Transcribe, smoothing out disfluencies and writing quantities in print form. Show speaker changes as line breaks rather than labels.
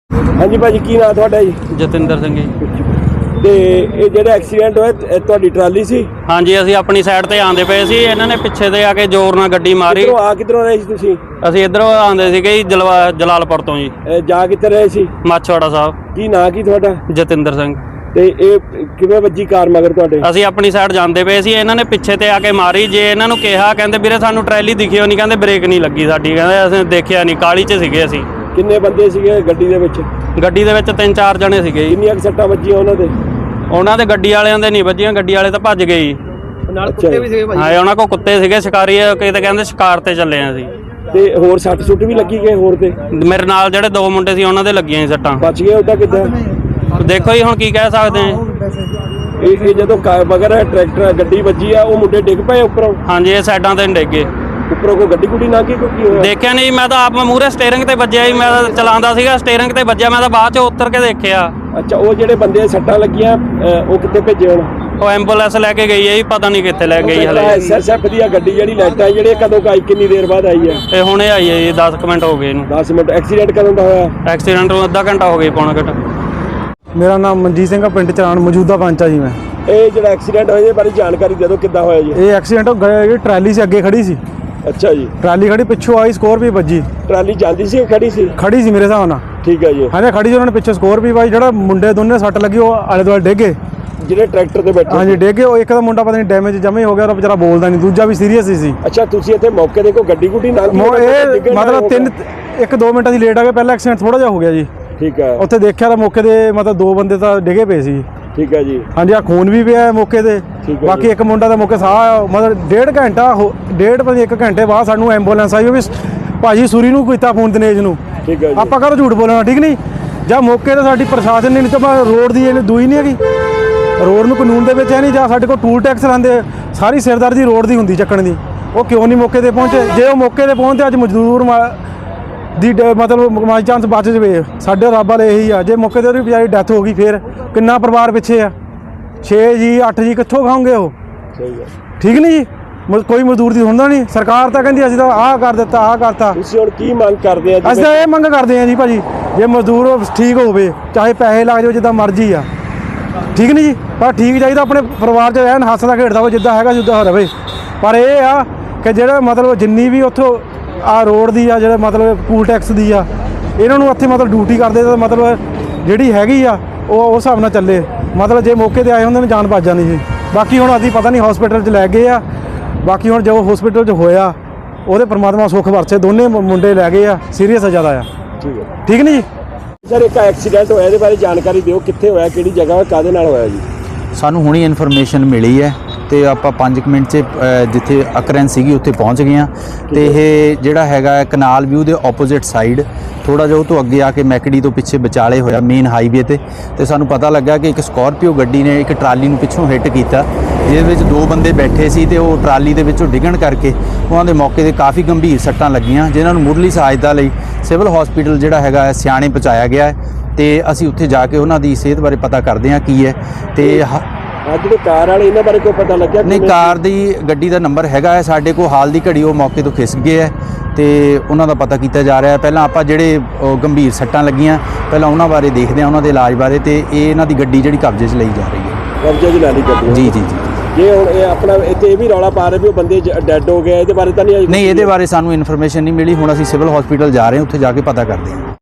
हाँ जी भाजी, की नाम तुहाडा जी?
जतिंदर सिंह जी।
ਤੇ ਇਹ ਜਿਹੜਾ ਐਕਸੀਡੈਂਟ ਹੋਇਆ ਤੁਹਾਡੀ ਟਰਾਲੀ ਸੀ?
ਹਾਂਜੀ, ਅਸੀਂ ਆਪਣੀ ਸਾਈਡ ਤੇ ਆਂਦੇ ਪਏ ਸੀ, ਇਹਨਾਂ ਨੇ ਪਿੱਛੇ ਤੇ ਆ ਕੇ ਜ਼ੋਰ ਨਾਲ ਗੱਡੀ ਮਾਰੀ।
ਕਿੱਧਰੋਂ ਰਹੇ ਸੀ ਤੁਸੀਂ?
ਅਸੀਂ ਇੱਧਰੋਂ ਆਂਦੇ ਸੀਗੇ ਜੀ, ਜਲਾਲਪੁਰ ਤੋਂ ਜੀ।
ਜਾ ਕਿੱਥੇ ਰਹੇ ਸੀ?
ਮਾਛਵਾੜਾ ਸਾਹਿਬ।
ਕੀ ਨਾਂ ਕੀ ਤੁਹਾਡਾ?
ਜਤਿੰਦਰ ਸਿੰਘ।
ਤੇ ਇਹ ਕਿਵੇਂ ਵੱਜੀ ਕਾਰ ਮਗਰ ਤੁਹਾਡੇ?
ਅਸੀਂ ਆਪਣੀ ਸਾਈਡ ਜਾਂਦੇ ਪਏ ਸੀ, ਇਹਨਾਂ ਨੇ ਪਿੱਛੇ ਤੇ ਆ ਕੇ ਮਾਰੀ। ਜੇ ਇਹਨਾਂ ਨੂੰ ਕਿਹਾ, ਕਹਿੰਦੇ ਵੀਰੇ ਸਾਨੂੰ ਟਰੈਲੀ ਦਿਖਿਓ ਨਹੀਂ, ਕਹਿੰਦੇ ਬ੍ਰੇਕ ਨਹੀਂ ਲੱਗੀ ਸਾਡੀ, ਕਹਿੰਦੇ ਅਸੀਂ ਦੇਖਿਆ ਨਹੀਂ, ਕਾਲੀ 'ਚ ਸੀਗੇ ਅਸੀਂ।
ਕਿੰਨੇ ਬੰਦੇ ਸੀਗੇ ਗੱਡੀ ਦੇ ਵਿੱਚ?
ਗੱਡੀ ਦੇ ਵਿੱਚ 3-4 ਜਣੇ ਸੀਗੇ।
ਕਿੰਨੀਆਂ ਸੱਟਾਂ ਵੱਜੀਆਂ ਉਹਨਾਂ ਦੇ?
ਉਹਨਾਂ ਦੇ ਗੱਡੀ ਵਾਲਿਆਂ ਦੇ ਨਹੀਂ ਵੱਜੀਆਂ, ਗੱਡੀ ਵਾਲੇ ਤਾਂ ਭੱਜ ਗਏ ਜੀ।
ਨਾਲ ਕੁੱਤੇ ਵੀ ਸੀਗੇ ਭਾਈ?
ਹਾਂ, ਉਹਨਾਂ ਕੋਲ ਕੁੱਤੇ ਸੀਗੇ, ਸ਼ਿਕਾਰੀ, ਕਿਤੇ ਕਹਿੰਦੇ ਸ਼ਿਕਾਰ ਤੇ ਚੱਲੇ ਆ ਅਸੀਂ।
ਤੇ ਹੋਰ ਸੱਟ ਸੁੱਟ ਵੀ ਲੱਗੀ ਗਏ ਹੋਰ ਤੇ?
ਮੇਰੇ ਨਾਲ ਜਿਹੜੇ 2 ਮੁੰਡੇ ਸੀ ਉਹਨਾਂ ਦੇ ਲੱਗੀਆਂ ਸੀ ਸੱਟਾਂ।
ਬਚ ਗਏ ਉਹਦਾ ਕਿੱਦਾਂ?
ਦੇਖੋ ਜੀ, ਹੁਣ ਕੀ ਕਹਿ ਸਕਦੇ ਆ।
ਇਹ ਜਦੋਂ ਮਗਰ ਟਰੈਕਟਰ ਗੱਡੀ ਵੱਜੀ ਆ, ਉਹ ਮੁੰਡੇ ਡਿੱਗ ਪਏ ਉੱਪਰੋਂ?
ਹਾਂਜੀ, ਇਹ ਸਾਈਡਾਂ ਤੇ ਡਿੱਗੇ।
ਉੱਪਰੋਂ ਕੋਈ ਗੱਡੀ ਗੁੱਡੀ ਲੰਘ ਗਈ? ਕੀ ਹੋਇਆ?
ਦੇਖਿਆ ਨਹੀਂ, ਮੈਂ ਤਾਂ ਆਪ ਮੂਹਰੇ ਸਟੀਅਰਿੰਗ ਤੇ ਵੱਜਿਆ ਜੀ, ਮੈਂ ਤਾਂ ਚਲਾਉਂਦਾ ਸੀਗਾ, ਸਟੀਅਰਿੰਗ ਤੇ ਵੱਜਿਆ, ਮੈਂ ਤਾਂ ਬਾਅਦ ਚ ਉਤਰ ਕੇ ਦੇਖਿਆ।
ਅੱਛਾ, ਉਹ ਜਿਹੜੇ ਬੰਦੇ ਸੱਟਾਂ ਲੱਗੀਆਂ ਉਹ ਕਿੱਥੇ ਭੇਜੇ ਹੁਣ?
ਉਹ ਐਂਬੂਲੈਂਸ ਲੈ ਕੇ ਗਈ ਹੈ ਜੀ, ਪਤਾ ਨਹੀਂ ਕਿੱਥੇ ਲੈ ਗਈ ਹਲੇ।
ਐਸਐਸਐਫ ਦੀ ਗੱਡੀ ਜਿਹੜੀ ਲੈਟਾਂ ਜਿਹੜੇ ਕਦੋਂ ਆਈ, ਕਿੰਨੀ ਦੇਰ ਬਾਅਦ ਆਈ ਹੈ?
ਇਹ ਹੁਣੇ ਆਈ ਹੈ ਜੀ, 10 ਮਿੰਟ ਹੋ ਗਏ ਇਹਨੂੰ।
10 ਮਿੰਟ? ਐਕਸੀਡੈਂਟ ਕਦੋਂ ਦਾ ਹੋਇਆ?
ਐਕਸੀਡੈਂਟ ਨੂੰ ਅੱਧਾ ਘੰਟਾ ਹੋ ਗਿਆ, ਪੌਣਾ ਘੰਟਾ।
ਮੇਰਾ ਨਾਮ ਮਨਜੀਤ ਸਿੰਘ ਆ, ਪਿੰਡ ਚਰਾਣ ਮੌਜੂਦਾ ਪੰਚ ਆ ਜੀ ਮੈਂ।
ਇਹ ਜਿਹੜਾ ਐਕਸੀਡੈਂਟ ਹੋਇਆ ਇਹਦੇ ਬਾਰੇ ਜਾਣਕਾਰੀ ਦੇ ਦਿਓ, ਕਿੱਦਾਂ ਹੋਇਆ ਜੀ?
ਇਹ ਐਕਸੀਡੈਂਟ ਜਿਹੜੀ ਟਰਾਲੀ ਸੀ ਅੱਗੇ ਖੜੀ ਸੀ।
ਅੱਛਾ ਜੀ।
ਟਰਾਲੀ ਖੜੀ, ਪਿੱਛੋਂ ਆਈ ਸਕੋਰਪੀਓ ਵੱਜੀ।
ਟਰਾਲੀ ਜਾਂਦੀ ਸੀ ਖੜੀ ਸੀ?
ਖੜੀ ਸੀ ਮੇਰੇ ਹਿਸਾਬ ਨਾਲ।
ਠੀਕ ਹੈ ਜੀ।
ਹਾਂਜੀ, ਖੜੀ ਸੀ, ਉਹਨਾਂ ਨੇ ਪਿੱਛੋਂ ਸਕੋਰਪੀਓ ਵਾਈ, ਜਿਹੜਾ ਮੁੰਡੇ ਦੋਨੇ ਸੱਟ ਲੱਗੀ, ਉਹ ਆਲੇ ਦੁਆਲੇ ਡਿੱਗੇ।
ਜਿਹੜੇ ਟਰੈਕਟਰ ਤੇ ਬੈਠੇ? ਹਾਂਜੀ,
ਡਿੱਗੇ। ਉਹ ਇੱਕ ਦਾ ਮੁੰਡਾ ਪਤਾ ਨਹੀਂ ਡੈਮੇਜ ਜਮੇ ਹੋ ਗਿਆ, ਉਹ ਵਿਚਾਰਾ ਬੋਲਦਾ ਨਹੀਂ, ਦੂਜਾ ਵੀ ਸੀਰੀਅਸ ਹੀ ਸੀ।
ਅੱਛਾ, ਤੁਸੀਂ ਇੱਥੇ ਮੌਕੇ ਦੇ ਕੋਈ ਗੱਡੀ ਗੁੱਡੀ ਨਾਲ?
ਇਹ ਮਤਲਬ 1-2 ਮਿੰਟਾਂ ਦੀ ਲੇਟ ਆ ਗਏ, ਪਹਿਲਾਂ ਐਕਸੀਡੈਂਟ ਥੋੜਾ ਜਿਹਾ ਹੋ ਗਿਆ ਜੀ।
ਠੀਕ ਹੈ।
ਉੱਥੇ ਦੇਖਿਆ ਤਾਂ ਮੌਕੇ ਦੇ ਮਤਲਬ 2 ਬੰਦੇ ਤਾਂ ਡਿੱਗੇ ਪਏ ਸੀ।
ਠੀਕ ਹੈ ਜੀ।
ਹਾਂਜੀ, ਆ ਖੂਨ ਵੀ ਪਿਆ ਮੌਕੇ ਤੇ। ਬਾਕੀ ਇੱਕ ਮੁੰਡਾ ਦਾ ਮੌਕੇ ਸਾਹ ਮਤਲਬ 1.5 ਘੰਟੇ ਬਾਅਦ ਸਾਨੂੰ ਐਂਬੂਲੈਂਸ ਆਈ। ਉਹ ਵੀ ਭਾਜੀ ਸੂਰੀ ਨੂੰ ਕੀਤਾ ਫੋਨ, ਦਿਨੇਸ਼ ਨੂੰ।
ਠੀਕ ਹੈ ਜੀ।
ਆਪਾਂ ਕਰੋ ਝੂਠ ਬੋਲਣਾ, ਠੀਕ ਨਹੀਂ? ਜਾਂ ਮੌਕੇ ਤੇ ਸਾਡੀ ਪ੍ਰਸ਼ਾਸਨ ਨੇ, ਨਹੀਂ ਤਾਂ ਰੋਡ ਦੀ ਇਹਨੇ ਦੂਈ ਨਹੀਂ ਹੈਗੀ, ਰੋਡ ਨੂੰ ਕਾਨੂੰਨ ਦੇ ਵਿੱਚ ਹੈ ਨਹੀਂ। ਜਾਂ ਸਾਡੇ ਕੋਲ ਟੂਲ ਟੈਕਸ ਲਾਉਂਦੇ, ਸਾਰੀ ਸਿਰਦਰਦੀ ਰੋਡ ਦੀ ਹੁੰਦੀ ਚੱਕਣ ਦੀ, ਉਹ ਕਿਉਂ ਨਹੀਂ ਮੌਕੇ ਤੇ ਪਹੁੰਚੇ? ਜੇ ਉਹ ਮੌਕੇ ਤੇ ਪਹੁੰਚਦੇ, ਅੱਜ ਮਜ਼ਦੂਰ ਦੀ ਮਤਲਬ ਮਾਈ ਚਾਂਸ ਬਚ ਜਵੇ, ਸਾਡੇ ਰੱਬ ਵਾਲੇ ਇਹੀ ਆ। ਜੇ ਮੌਕੇ ਤੇ ਉਹਦੀ ਵਿਚਾਰੀ ਡੈਥ ਹੋ ਗਈ, ਫਿਰ ਕਿੰਨਾ ਪਰਿਵਾਰ ਪਿੱਛੇ ਆ? 6 ਜੀ 8 ਜੀ ਕਿੱਥੋਂ ਖਾਓਗੇ ਉਹ?
ਸਹੀ ਹੈ।
ਠੀਕ ਨਹੀਂ ਜੀ? ਕੋਈ ਮਜ਼ਦੂਰ ਦੀ ਹੁੰਦਾ ਨਹੀਂ। ਸਰਕਾਰ ਤਾਂ ਕਹਿੰਦੀ ਅਸੀਂ ਤਾਂ ਆਹ ਕਰ ਦਿੱਤਾ, ਆਹ ਕਰਤਾ।
ਤੁਸੀਂ ਹੁਣ ਕੀ ਮੰਗ ਕਰਦੇ ਆ?
ਅਸੀਂ ਤਾਂ ਇਹ ਮੰਗ ਕਰਦੇ ਆ ਜੀ ਭਾਜੀ, ਜੇ ਮਜ਼ਦੂਰ ਠੀਕ ਹੋਵੇ, ਚਾਹੇ ਪੈਸੇ ਲੱਗ ਜਾਓ, ਜਿੱਦਾਂ ਮਰਜ਼ੀ ਆ, ਠੀਕ ਨਹੀਂ ਜੀ? ਪਰ ਠੀਕ ਚਾਹੀਦਾ, ਆਪਣੇ ਪਰਿਵਾਰ 'ਚ ਐਨ ਹੱਸਦਾ ਖੇਡਦਾ ਹੋਵੇ, ਜਿੱਦਾਂ ਹੈਗਾ ਜਿੱਦਾਂ ਰਵੇ। ਪਰ ਇਹ ਆ ਕਿ ਜਿਹੜਾ ਮਤਲਬ ਜਿੰਨੀ ਵੀ ਉੱਥੋਂ ਆ ਰੋਡ ਦੀ ਆ, ਜਿਹੜਾ ਮਤਲਬ ਟੂਲ ਟੈਕਸ ਦੀ ਆ, ਇਹਨਾਂ ਨੂੰ ਇੱਥੇ ਮਤਲਬ ਡਿਊਟੀ ਕਰਦੇ ਤਾਂ ਮਤਲਬ ਜਿਹੜੀ ਹੈਗੀ ਆ ਉਹ ਉਸ ਹਿਸਾਬ ਨਾਲ ਚੱਲੇ। ਮਤਲਬ ਜੇ ਮੌਕੇ ਤੇ ਆਏ ਹੁੰਦੇ ਨੇ, ਜਾਨ ਬਚ ਜਾਂਦੀ ਸੀ। ਬਾਕੀ ਹੁਣ ਅਸੀਂ ਪਤਾ ਨਹੀਂ ਹਸਪੀਟਲ 'ਚ ਲੈ ਗਏ ਆ। ਬਾਕੀ ਹੁਣ ਜੋ ਹਸਪੀਟਲ 'ਚ ਹੋਇਆ, ਉਹਦੇ ਪਰਮਾਤਮਾ ਸੁੱਖ ਵਰਸੇ। ਦੋਨੇ ਮੁੰਡੇ ਲੈ ਗਏ ਆ, ਸੀਰੀਅਸ ਜ਼ਿਆਦਾ ਆ। ਠੀਕ ਹੈ, ਠੀਕ ਨਹੀਂ ਜੀ?
ਸਰ, ਇੱਕ ਐਕਸੀਡੈਂਟ ਹੋਇਆ, ਇਹਦੇ ਬਾਰੇ ਜਾਣਕਾਰੀ ਦਿਓ, ਕਿੱਥੇ ਹੋਇਆ, ਕਿਹੜੀ ਜਗ੍ਹਾ, ਕਾਹਦੇ ਨਾਲ ਹੋਇਆ ਜੀ?
ਸਾਨੂੰ ਹੁਣੀ ਇਨਫੋਰਮੇਸ਼ਨ ਮਿਲੀ ਹੈ ਤੇ ਆਪਾਂ 5 ਮਿੰਟ 'ਚ ਜਿੱਥੇ ਅਕਰੈਂਸ ਸੀਗੀ ਉੱਥੇ ਪਹੁੰਚ ਗਏ ਹਾਂ। ਤੇ ਇਹ ਜਿਹੜਾ ਹੈਗਾ ਕਨਾਲ ਵਿਊ ਦੇ ਆਪੋਜ਼ਿਟ ਸਾਈਡ, ਥੋੜਾ ਜਿਹਾ ਉਹ ਤੋਂ ਅੱਗੇ ਆ ਕੇ ਮੈਕੜੀ ਤੋਂ ਪਿੱਛੇ ਵਿਚਾਲੇ ਹੋਇਆ ਮੇਨ ਹਾਈਵੇ ਤੇ ਸਾਨੂੰ ਪਤਾ ਲੱਗਾ ਕਿ ਇੱਕ ਸਕਾਰਪੀਓ ਗੱਡੀ ਨੇ ਇੱਕ ਟਰਾਲੀ ਨੂੰ ਪਿੱਛੋਂ ਹਿੱਟ ਕੀਤਾ, ਜਿਹਦੇ ਵਿੱਚ 2 ਬੰਦੇ ਬੈਠੇ ਸੀ ਤੇ ਉਹ ਟਰਾਲੀ ਦੇ ਵਿੱਚੋਂ ਡਿੱਗਣ ਕਰਕੇ ਉਹਨਾਂ ਦੇ ਮੌਕੇ ਤੇ ਕਾਫੀ ਗੰਭੀਰ ਸੱਟਾਂ ਲੱਗੀਆਂ, ਜਿਨ੍ਹਾਂ ਨੂੰ ਮੁੱਢਲੀ ਸਹਾਇਤਾ ਲਈ ਸਿਵਲ ਹਸਪੀਟਲ ਜਿਹੜਾ ਹੈਗਾ ਸਿਆਣੇ ਪਹੁੰਚਾਇਆ ਗਿਆ ਹੈ। ਤੇ ਅਸੀਂ ਉੱਥੇ ਜਾ ਕੇ ਉਹਨਾਂ ਦੀ ਸਿਹਤ ਬਾਰੇ ਪਤਾ ਕਰਦੇ ਹਾਂ ਕੀ ਹੈ। ਤੇ
ਜਿਹੜੇ ਕਾਰ ਵਾਲੇ, ਇਹਨਾਂ ਬਾਰੇ ਕੋਈ ਪਤਾ ਲੱਗਿਆ?
ਨਹੀਂ, ਕਾਰ ਦੀ ਗੱਡੀ ਦਾ ਨੰਬਰ ਹੈਗਾ ਹੈ ਸਾਡੇ ਕੋਲ, ਹਾਲ ਦੀ ਘੜੀ ਉਹ ਮੌਕੇ ਤੋਂ ਖਿਸਕ ਗਏ ਹੈ ਤੇ ਉਹਨਾਂ ਦਾ ਪਤਾ ਕੀਤਾ ਜਾ ਰਿਹਾ ਹੈ। ਪਹਿਲਾਂ ਆਪਾਂ ਜਿਹੜੇ ਗੰਭੀਰ ਸੱਟਾਂ ਲੱਗੀਆਂ, ਪਹਿਲਾਂ ਉਹਨਾਂ ਬਾਰੇ ਦੇਖਦੇ ਹਾਂ, ਉਹਨਾਂ ਦੇ ਇਲਾਜ ਬਾਰੇ। ਤੇ ਇਹਨਾਂ ਦੀ ਗੱਡੀ ਜਿਹੜੀ ਕਬਜ਼ੇ 'ਚ ਲਈ ਜਾ ਰਹੀ ਹੈ।
ਕਬਜ਼ੇ 'ਚ ਲੈ ਲਈ ਗੱਡੀ? ਜੀ ਜੀ ਜੀ। ਜੇ ਹੁਣ ਇਹ ਆਪਣਾ ਇੱਥੇ ਇਹ ਵੀ ਰੌਲਾ ਪਾ ਰਹੇ ਵੀ ਉਹ ਬੰਦੇ ਡੈਡ ਹੋ ਗਏ, ਇਹਦੇ ਬਾਰੇ ਤਾਂ ਨਹੀਂ?
ਨਹੀਂ, ਇਹਦੇ ਬਾਰੇ ਸਾਨੂੰ ਇਨਫੋਰਮੇਸ਼ਨ ਨਹੀਂ ਮਿਲੀ। ਹੁਣ ਅਸੀਂ ਸਿਵਲ ਹਸਪੀਟਲ ਜਾ ਰਹੇ ਹਾਂ, ਉੱਥੇ ਜਾ ਕੇ ਪਤਾ ਕਰਦੇ ਹਾਂ।